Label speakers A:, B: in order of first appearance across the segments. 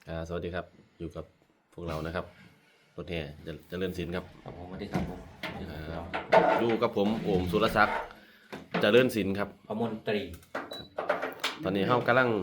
A: สวัสดีครับอยู่กับพวกเรานะครับรถแห่เจริญศิลป์ครับ
B: ครับผมสวัสดีครับผม
A: อยู่กับผมโอมสุรศักดิ์เจริญศิลป์ครับ
B: พมนตรี
A: ตอนนี้เฮากำลัง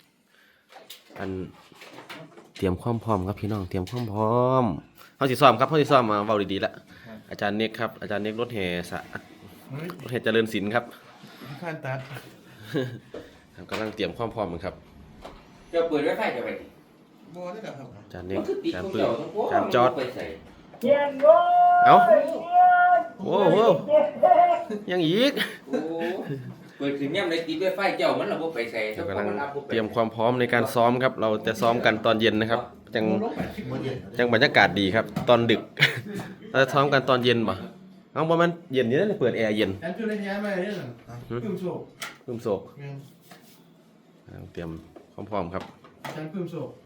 A: เตรียมความพร้อมครับพี่น้องเตรียมความพร้อมเฮาสิซ้อมครับเฮาสิซ้อมมาเว้าดีๆละอาจารย์เน็กครับอาจารย์เน็กรถแห่รถแห่เจริญศิลป์ครับ
C: ขั้นตัด
A: ครับกำลังเตรียมความพร้อมครับ
B: จะเปิดไว้ไฟจะไป
C: โบได้ครับ
A: อาจารย์เน็ก
B: มันคือติด
A: อาจาร
B: ข
A: ย์
B: อง
A: ปื้
B: เจ้าม ทั้งพวก
A: อาจารย์จอด
B: ไปใส่
A: เอ้าโอ้โหยังอีก
B: โอ้เปิดถึงย่ำในติดไว้ไฟเจ้ามันระบบไปใส่
A: เรากำลังเตรียมความพร้อมในการซ้อมครับ เราจะซ้อมกันตอนเย็นนะครับจังบรรยากาศดีครับ ตอนดึก เราจะซ้อมกันตอนเย็นป่ะเอาประมาณเย็นนี้เลยเปิดแอร์เย็น
C: อันคือระยะมาเนี่ยพึ่งโศก
A: พึ่มโศกเตรียมความพร้อมครับ
C: ฉันพึ่งโศก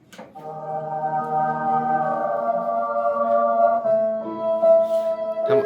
A: ทำ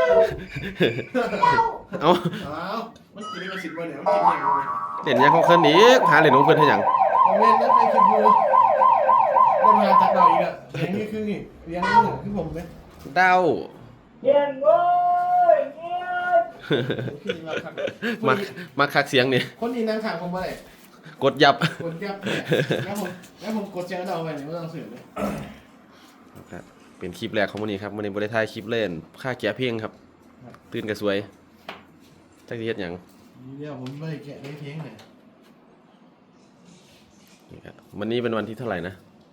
A: เอา
C: อ้าวมันกินมา10 วันเนี่ยมันกินอย่างไร
A: เล่นยังของเพิ่นอีกหาเล่นของเพิ่นให้หยัง
C: ผมเล่นแล้วใครคิดดูได้มาตัดดอกอีกอ่ะเลี้ยงนี่คือนี่เลี้ยงนี่คือผมเลย
A: ดาว
D: เย็นเว้ยเย็น
C: คือมาขัด
A: มาคักเสียงนี่
C: คนนี้นั่งข้างผมมาเลย
A: กดยับ
C: กดยับเนี่ยแล้วผมกดแจ้งเราไปเนี่ยไม่ต้องสื่อเลย
A: ครับเป็นคลิปแรกของมื้อนี้ครับมื้อนี้บ่ได้ถ่ายคลิปเล่นค่าแกะเพลงครับตื่นก็สวยจักสิเฮ็ดหยัง
C: เดี๋ยวผมไม่แกะได้เพียงเนี่ย
A: นี่ครับวันนี้เป็นวันที่เท่าไหร่นะ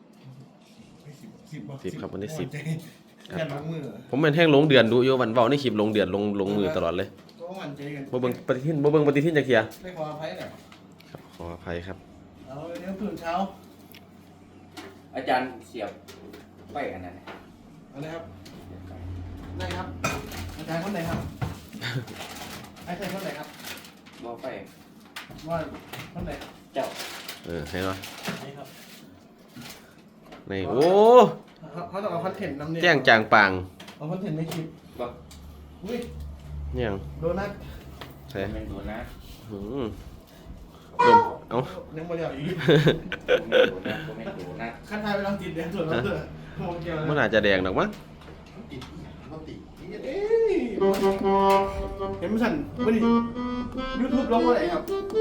C: 10
A: ครับวันที่10
C: แค่ลงมือ
A: ผมเป็นแห้งลงเดือนดูอยู่วันเว้าในคลิปลงเดือนลงมือตลอดเลย
C: ก็มันใจกัน
A: บ่เบิ่งปฏิทินจักเที่ย
C: ได้ความอภัยแหละ
A: ครับขออภัยครับ
C: เอาเดี๋ยวตื่นเช้า
B: อาจารย์เสียบไฟอันนั้น
C: เอาเลยครับได้ครับอาจารย์คนไหนครับอาจารย์คนไหนครับ
B: บ่ไฟ
C: ว่าคนไหน
B: เจ้า
A: เห็นป่ะ
C: นี่ครับ
A: นี่โอ้
C: เขาต้องเอาคอนเทนต์นำเนี่ย
A: แจ้งจางปาง
C: เอาคอนเทนต์ในคลิป
B: บ่
C: อุ้ย
A: เนี่ยง
C: โดนัท
A: ใช่
B: เป็นดูนะ
A: หืมดมเอ้า
C: ยังไม่ได้เอาอีก
B: เป็นดูนะเป็นดูนะ
C: ขั้นท้ายไปลองติดแดงส่วนเราเถอะโมเกียว
A: มันอาจจะแดงดอกมั้ง
C: ติดเขาติดเอ้ยเห็นไหมสันวันนี้ยูทูบลงว่าไหนครับ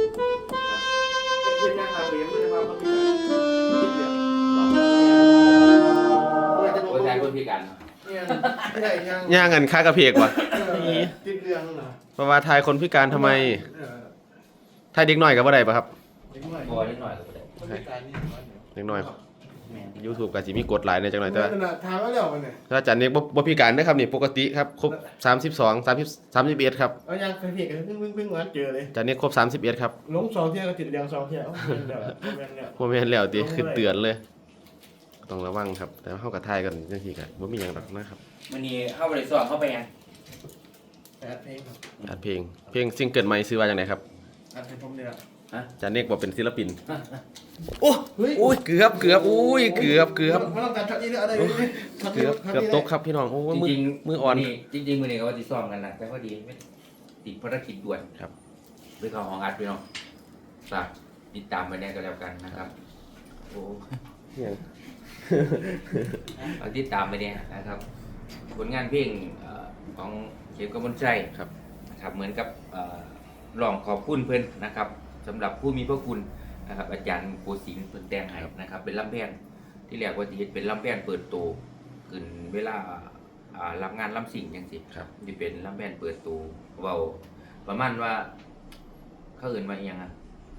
C: เป็นยังไงครับเรียนไม่ได้มาเขาติดเลยจะลง
B: โอ้ยชายคนพิการ
C: เนี่ยไม่ได้ยัง
A: ย่างกันค่ากระเพกว่ะ
C: ติดเรื่องเหรอ
A: เพราะว่าทายคนพิการทำไมทายเด็กน้อยก็บ่ได้ป่ะครับ
C: เด็กหน่อย
B: บ่นิดหน่อยก็ได้
C: คนพิการนี่
A: เด็กน้อย
B: แม่น
A: YouTube ก็สิมีกฎหลายในจังหน่อยแต่ว่า
C: ถามว่าแล้วมันเนี่ย
A: ถ้าอาจารย์เน็กบ่พิการนะครับนี่ปกติครับครบ32 30 31ครับ
C: เอายังเคยเพียกันเพิ่งเจอเลย
A: อาจารย์เน็กครบ31ครับ
C: ลง2 เที่ยวก็ติดเรียง2 เที่ยวเดี๋ยวเนี่ย
A: บ่แม่นแล้วติขึ้นเตือนเลย ต้องระวังครับ แต่ว่าเฮาก็ทายกันจังซี่ก็บ่มีหยังหรอกนะครับ
B: มื้อนี้เข้าไปสอบเข้าไปยัง
C: อัดเพลงครับ
A: อัดเพลงซิงเกิลใหม่ชื่อว่าจังไดครับ
C: อัดให้ผมเนี่ย
A: อาจารย์เน็กบอกเป็นศิลปิน
C: เฮ้ย
A: โอ้ยเกือบอุ้ยเกือบ
C: ไม่ต้องการช็อตนี้เลยอะไรนี่
A: เกือบตกครับพี่น้องโอ้ย
B: จริง
A: มืออ่อน
B: จริงๆมื้อนี้ก็ว่าสิซ้อมกันนะแต่พอดีไม่ติดภารกิจด่วน
A: ครับ
B: ไปเข้าห้องอัดพี่น้องฝากติดตามไปเนี่ยก็แล้วกันนะครับโอ้
A: ยัง
B: เอาติดตามไปเนี่ยนะครับผลงานเพลงของเข็มกมลใจ
A: ครับ
B: นะครับเหมือนกับร้องขอบคุณเพื่อนนะครับสำหรับผู้มีพระคุณนะครับอาจารย์โกศินทร์เพิ่นแต่งให้นะครับเป็นลำแพนที่แรกว่าจะเฮ็ดเป็นลำแพนเปิดโตขึ้นเวลารับงานลำสิ่งจังซี่
A: ครับ
B: ที่เป็นลำแพนเปิดโตเว้าประมาณว่าเขาเอิ้นว่าอีหยังอ่ะ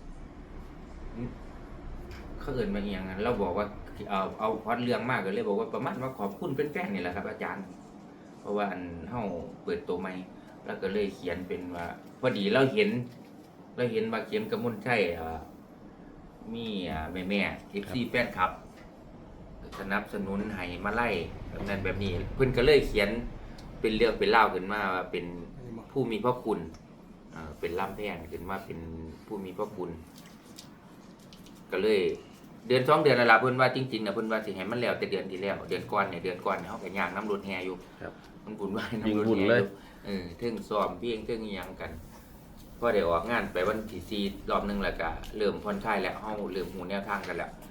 B: เขาเอิ้นว่าอีหยังอ่ะเราบอกว่าเอาพล็อดเรื่องมากก็เลยบอกว่าประมาณว่าขอบคุณแฟนๆนี่แหละครับ อาจารย์ เพราะว่าอันเฮาเปิดตัวใหม่แล้วก็เลยเขียนเป็นว่าพอดีเราเห็นว่าเขียนกระมุนใช่มีแม่ๆ FC แฟนคลับสนับสนุนให้มาไล่แบบนั้นแบบนี้ เพิ่นก็เลยเขียนเป็นเรื่องเป็นเล่าวขึ้นมาว่าเป็นผู้มีพระคุณเป็นล่ำแพนขึ้นมาเป็นผู้มีพระคุณ ก็เลยเดือน2 เดือนแล้วล่ะเพิ่นว่าจริงๆน่ะเพิ่นว่าสิให้มันแล้วแต่เดือนที่แล้วเดือนก่อนเนี่ยเฮาก็ย่างน้ำรถแห่อยู่
A: ครับ
B: มันบุญไหวน้ำ
A: วิ่ง
B: รถ
A: บุญ
B: แห่
A: เลย
B: อยู่ถึงซ้อมเพียงถึงอิหยังกันพอได้ออกงานไปวันที่4รอบนึงแล้วก็เริ่มผ่อนคลายแล้วเฮาเริ่มหูแนวทางกันแล้ว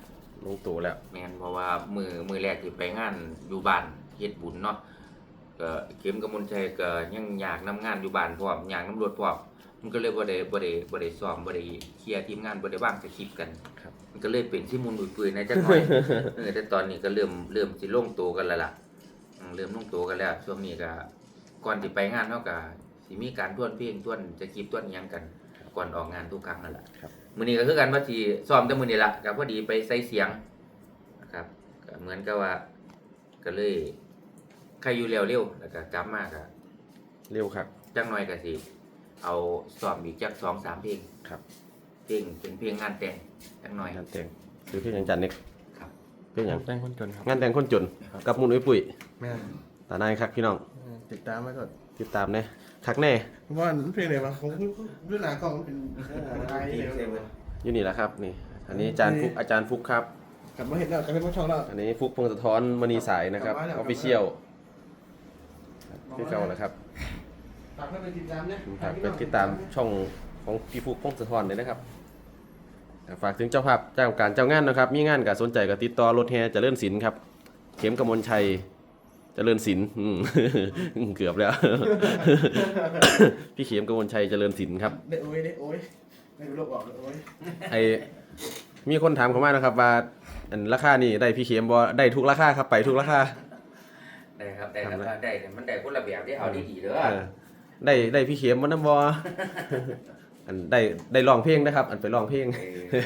A: ลงตัวแล้ว
B: แม่นเพราะว่ามือแรกที่ไปงานอยู่บ้านเฮ็ดบุญเนาะก็เข็มกับมนชัยก็ยังอยากนำงานอยู่บ้านพร้อมอยากนำรถพร้อมมันก็เลยบ่ได้ซ้อมบ่ได้เคลียร์ทีมงานบ่ได้วางสคริปต์กัน
A: ครับ
B: มันก็เลยเป็นที่มุนปุยๆในจักหน่อย แต่ตอนนี้ก็เริ่มสิลงตัวกันแล้วล่ะเริ่มลงตัวกันแล้วช่วงนี้ก็ก่อนสิไปงานเฮาก็สิมีการทวนเพลงทวนสคริปต์ทวนอิหยังกันก่อนออกงานทุกครั้งนั่นแหละ
A: ครับ
B: มื้อนี้ก็คือกันว่าสิซ้อมแต่มื้อนี้ล่ะก็พอดีไปใส่เสียงนะครับก็เหมือนกับว่าก็เลยใครอยู่เร็วๆแล้วก็กลับมาก็
A: เร็วครับ
B: จักหน่อยก็สิเอาซ้อมอีกจัก 2-3 เพลง
A: ครับ
B: เพลงเป็นเพลงงานแต่งจักหน่อย
A: งานแต่งคือเพี่ยังจันนิก
B: ครับ
A: เพี่ยัง
C: แต่งคนจนครับ
A: งานแต่งคนจนกับมุนอุ้ยปุ๋ย
C: แม่น
A: ตาหนายครับพี่น้อง
C: ติดตามไว้ก่อน
A: ติดตามแน่คักแน่
C: เพราะว่ามันเพลงอะไรวะผมเรื่องหนากล้องมันเป็นอะไรเนี่ย
A: อยู่นี่แหละครับนี่ อันนี้อาจารย์ฟุกครับ
C: กลับมาเห็นแล้วกลับมาช่องแล้ว
A: อันนี้ฟุกพงศธรมณีสายนะครับ
C: กลับมาแล้ว
A: ออฟฟิเชียลพี่เก่าแหละครับ
C: ฝากเพื่อนไปติดตามเนี่ย
A: ฝากเป็นติดตามช่องของพี่ฟุกพงศธรเลยนะครับฝากถึงเจ้าภาพเจ้าการเจ้างานนะครับ มีงานกับสนใจกับติดต่อรถแห่เจริญศิลป์ครับ เข็มกมลชัยเจริญศิลป์เกือบแล้ว พี่เข็มกมลชัยเจริญศิลป์ครับ
C: ได้โอ้ยไม่รู้โลกออกเลยโอ้ย
A: ไอมีคนถามเข้ามานะครับว่าอันราคานี่ได้พี่เข็มบ่ได้ทุกราคาครับไปทุกราคา
B: ได้ครับได้ครับได้แต่มันได้คนละแบบที่เอาดีๆเด้อ
A: เออได้พี่เข็มมันน้ำบ่ อันได้ร้องเพลงนะครับ อันไปร้องเพลง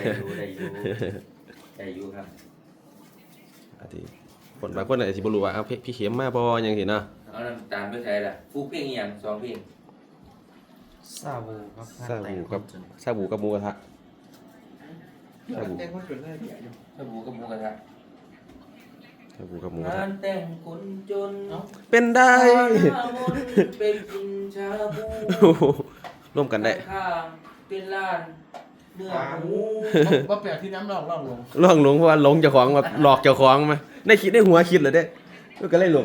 B: ได้อยู่ครับ
A: อาทิคนบางคนอาจจะบ่รู้ว่าเอาพี่เข็มมาบ่จังซี่เนาะ
B: เอาน้ำตาลไปใส่ละฟูเพลงอีหยัง2เพลง
E: ซาบูครับ
A: ซาบูกับซาบูกับหมูกระทะ
C: แต่งคนจนได้เดียวอยู่
B: สบู่กับหมูกระทะ
A: ซาบูกับหมูกระ
B: งา
A: ทะ
B: นแต่งคนจน
A: เป็นได้
B: หน้ามนต์เป็นกินชาบู
A: โอ้โหร่วมกันได้
B: ข้างเป็นร้านเนื้อหมู
C: ว่าแปลกที่น้ำลองลง
A: ล่องหลงเพราะว่าหลงเจ้าของแบบหลอกเจ้าของมาได้คิดได้หัวคิดเลยเด้มันก็เลยหลง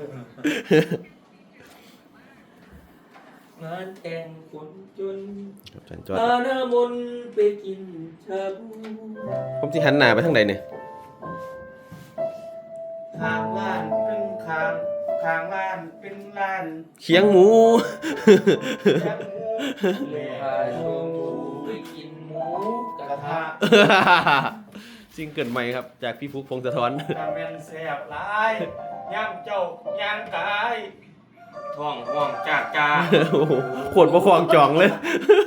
B: งานแต่งคนจน
A: ครับอาจารย์จอด
B: หน้ามนต์ไปกินชาบู
A: ผมสิหันหน้าไปทางใดเนี่ย
E: ข้างล้านเป็นข้างล้านเป็นล้าน
A: เคียงหมู
E: แคบหมู
B: เล
E: เล่
B: พาชมไปกินหมูกระทะ
A: ซิงเกิลใหม่ครับจากพี่ฟุกพงศธร
E: ตาแม่นแสบหลายย่างเจ้าย่างกายท้องห่วงจากกา
A: โอ้โหขวดประคองจองเลย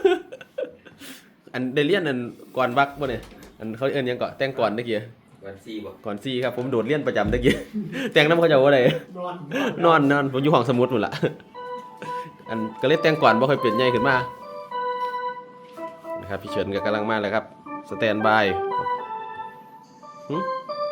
A: อันได้เรียนอันก่อนบักบ่เนี่ยอันเขาเอิ้นหยังก่อนแต่งก่อนตะกี้
B: วันซีบ่
A: ก่อนซี่ครับผมโดดเรียนประจำตะกี้ แต่งน้ำเขาเจะว่าได
C: นอน
A: นอนผมอยู่ห้องสมุดหมดละ อันก็เลยแต่งก่อนบ่ค่อยเปลี่ยนใหญ่ขึ้นมานะครับพี่เฉินก็กำลังมาเลยครับสแตนบาย
C: อ๋อ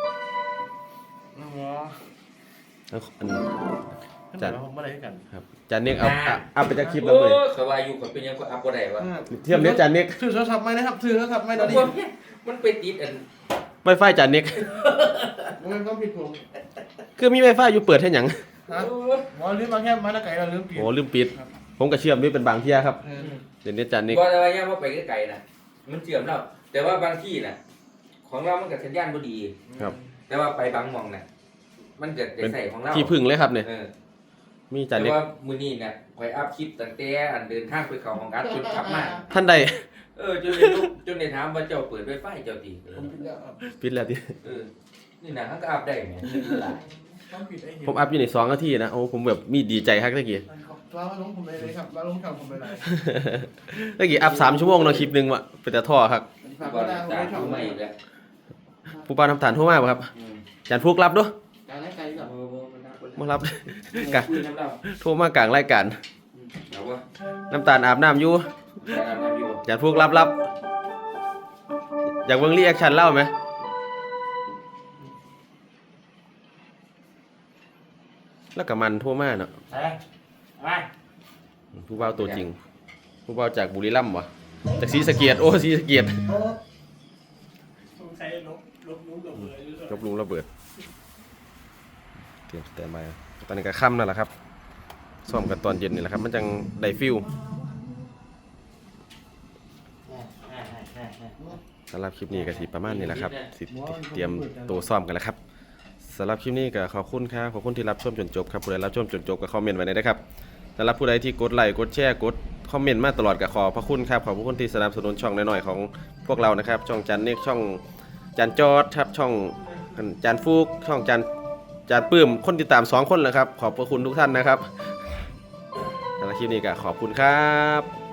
A: อัน
C: จัดผมไม่ได้กัน
A: ครับจานเน็กเอาไปจากคลิปแล้วเลย
B: เขาว่าอยู่คนเป็นยังก็อัพบ่ได้วะ
A: เทียมเนี้ยจานเน็ก
C: ซื้อโทรศัพท์ไหมนะครับซื้อโทรศัพท์ไหมตอนนี้
B: มันไปติดอัน
A: ไวไฟจานเน็ก
C: มันก็ผิดผม
A: คือมีไวไฟอยู่เปิดให้หยัง
C: ฮะหมอลืมมาแค่มาตะไก่เราลืมปิด
A: โอ้ลืมปิด ผมก็เชื่อมด้วยเป็นบางเที่ยครับ
C: เออ
A: เดี๋ยวนี้จานเน็ก
B: บ่แต่ว่าย่าว่าไปไกลๆนะมันเชื่อมแล้วแต่ว่าบางที่น่ะของเรามันก็สัญญาณบ่ดี
A: ครับ
B: แต่ว่าไปบางหม่องน่ะมันเกิดได้ใส่ของเรา
A: ที่พึ่งเลยครับเนี่ย
B: เออ
A: มีจาน
B: แต่
A: เน็ก
B: ว่ามื้อนี้เนี่ยข่อยอัพคลิปตั้งแต่อันเดินทางไปเข้าห้องอัดจนกลับมา
A: ท่านใด
B: จนได้ถามว่าเจ้าเปิด Wi-Fi เจ้าติ
C: ผมผิดแล้วครับ
A: ปิดแล้วดิ
B: เออนี่น่ะมันก็อัพได้แหมนี่ล่ะ
C: ต้องผิดไอ้เหี้ย
A: ผมอัพอยู่ใน2 นาทีนะโอ้ผมแบบมีดีใจครับตะกี้
C: เราลงผมเลยครับเราลงช่องผมเลย
A: ตะกี้อัพ3 ชั่วโมงเนาะคลิปหนึงว่ะเป็นแต่ท่อครับ
C: ฝาก
B: บ่
C: ไว้
B: ได้
C: นะผมไม่ช่อง
B: ตาผู้
C: ให
B: ให
C: ม่
B: ม่อีกแล้ว
A: ผู้ปานทำฐานโทรมาบ่ครับ
B: อืม
A: จานฟุกรับด้วย
C: การให้ไกลก่อน
B: บ่มันน่าคน
A: มารับ
B: กะคุยน้ำเรา
A: โทรมากลางรายการ
B: เอาว่า
A: น้ำตาลอาบน้ำอยู่
B: ได้รับน้ำอยู่
A: จานฟุกรับ อยากเบิ่งรีแอคชั่นเล่าไหมแล้วก็มันโทรมาเนาะ
E: ไป
A: ผู้เบาตัวจริง ผู้เบาจากบุรีรัมย์วะจากศรีสะเกียดโอ้ศรีสะเกียด
E: สงสัยลบนู้นลบเลย
A: ยกลุงระเบิดเตรียมสแตนบายตอนนี้ก็ค่ำนั่นแหละครับซ้อมกันตอนเย็นนี่แหละครับ มันจังได้ฟิลสำหรับคลิปนี้ก็สิประมาณนี้แหละครับสิเตรียมตัวซ้อมกันแล้วครับสำหรับคลิปนี้ก็ขอบคุณครับขอบคุณที่รับชมจนจบครับผู้ใดรับชมจนจบก็คอมเมนต์ไว้ได้ครับสำหรับผู้ใดที่กดไลค์กดแชร์กดคอมเมนต์มาตลอดก็ขอบพระคุณครับขอบพระคุณที่สนับสนุนช่องน้อยๆของพวกเรานะครับช่องจันเนกช่องจันจอดครับช่องจันฟูกช่องจันปื้มคนติดตาม2 คนแล้วครับขอบพระคุณทุกท่านนะครับสำหรับคลิปนี้ก็ขอบคุณครับ